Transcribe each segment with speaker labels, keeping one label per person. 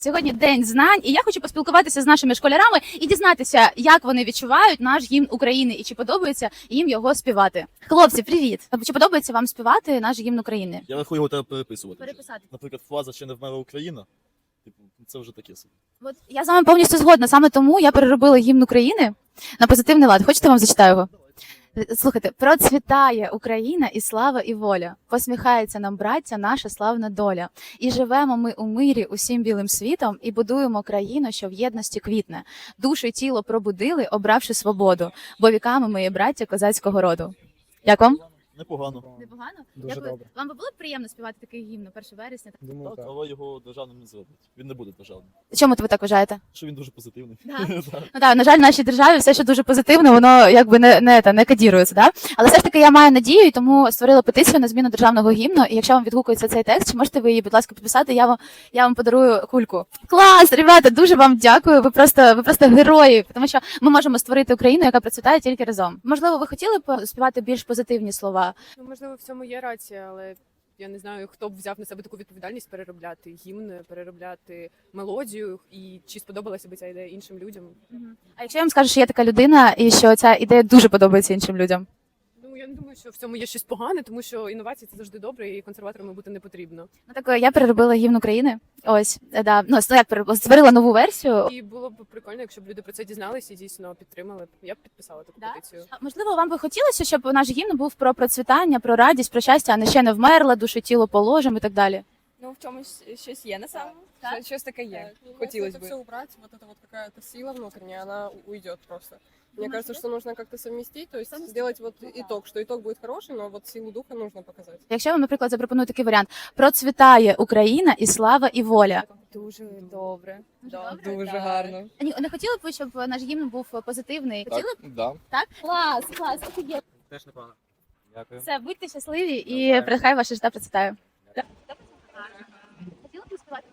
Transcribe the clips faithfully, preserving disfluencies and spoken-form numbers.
Speaker 1: Сьогодні день знань, і я хочу поспілкуватися з нашими школярами і дізнатися, як вони відчувають наш гімн України і чи подобається їм його співати. Хлопці, привіт! Чи подобається вам співати наш гімн України?
Speaker 2: Я рахую, його треба переписувати.
Speaker 1: Переписати.
Speaker 2: Наприклад, фраза «Ще не вмерла Україна». Типу, це вже таке собі.
Speaker 1: От я з вами повністю згодна. Саме тому я переробила гімн України на позитивний лад. Хочете, вам зачитаю його? Слухайте, процвітає Україна і слава, і воля. Посміхається нам, браття, наша славна доля. І живемо ми у мирі усім білим світом, і будуємо країну, що в єдності квітне. Душу й тіло пробудили, обравши свободу, бо віками ми є браття козацького роду. Як вам?
Speaker 2: Непогано.
Speaker 1: Непогано?
Speaker 3: Дуже
Speaker 1: Як ви...
Speaker 3: добре.
Speaker 1: Вам би було б приємно співати такий гімн першого вересня?
Speaker 3: Думаю,
Speaker 2: Так,
Speaker 3: так.
Speaker 2: але його державним не зроблять. Він не буде державним.
Speaker 1: Чому ви так вважаєте?
Speaker 2: Що він дуже позитивний.
Speaker 1: Да.
Speaker 2: Так.
Speaker 1: Ну так, на жаль, в нашій державі все, що дуже позитивне, воно якби не, не, не, не кодірується, да? Але все ж таки я маю надію, і тому створила петицію на зміну державного гімну. І якщо вам відгукується цей текст, чи можете ви її, будь ласка, підписати, я вам, я вам подарую кульку. Клас, ребята, дуже вам дякую. Ви просто, ви просто герої, тому що ми можемо створити Україну, яка процвітає тільки разом. Можливо, ви хотіли б співати більш позитивні слова?
Speaker 4: Ну, можливо, в цьому є рація, але я не знаю, хто б взяв на себе таку відповідальність переробляти гімн, переробляти мелодію, і чи сподобалася б ця ідея іншим людям.
Speaker 1: А якщо я вам скажу, що є така людина, і що ця ідея дуже подобається іншим людям?
Speaker 4: Ну, я не думаю, що в цьому є щось погане, тому що інновації – це завжди добре, і консерваторами бути не потрібно.
Speaker 1: Ну так я переробила гімн України. Ось, е, да. Ну, як переробила, створила нову версію.
Speaker 4: І було б прикольно, якщо б люди про це дізналися і дійсно підтримали. Я б підписала таку
Speaker 1: Да?
Speaker 4: петицію.
Speaker 1: А, можливо, вам би хотілося, щоб наш гімн був про процвітання, про радість, про щастя, а не ще не вмерла, душу тіло положим і так далі.
Speaker 5: Ну, в чомусь щось є на самом.
Speaker 1: Так.
Speaker 5: Щось- Щось таке є.
Speaker 6: Так,
Speaker 5: Хотелось
Speaker 6: если это
Speaker 5: бы.
Speaker 6: все убрать, вот эта вот какая-то сила внутренняя, она у- уйдет просто. Мне кажется, что нужно как-то совместить, то есть сделать вот итог, что итог будет хороший, но вот силу духа нужно показать.
Speaker 1: Якщо я вам, наприклад, запропоную такий варіант: процвітає Україна і слава, і воля.
Speaker 5: Дуже добре.
Speaker 1: Дуже
Speaker 5: Да,
Speaker 1: добре?
Speaker 5: Дуже
Speaker 6: Да.
Speaker 5: гарно.
Speaker 1: А ні, не хотіли б ви, щоб наш гімн був позитивний? Хотіли б?
Speaker 3: Да.
Speaker 1: Так? Клас, клас, офігенно.
Speaker 3: Теж непогано. Дякую.
Speaker 1: Все, будьте щасливі і
Speaker 3: Навзаєм.
Speaker 1: прихай ваше життя процвітає. Хотіли б співати?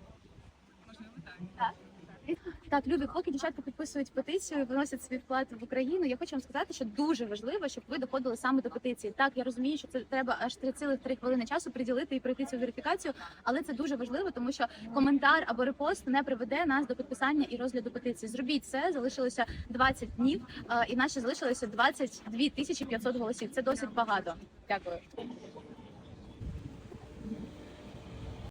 Speaker 1: Так. Так, любі хлопці, дівчатка підписують петицію, виносять свій вклад в Україну. Я хочу вам сказати, що дуже важливо, щоб ви доходили саме до петиції. Так, я розумію, що це треба аж три цілих три хвилини часу приділити і пройти цю верифікацію, але це дуже важливо, тому що коментар або репост не приведе нас до підписання і розгляду петиції. Зробіть це, залишилося двадцять днів, е, і наші залишилося двадцять дві тисячі п'ятсот голосів. Це досить багато. Дякую.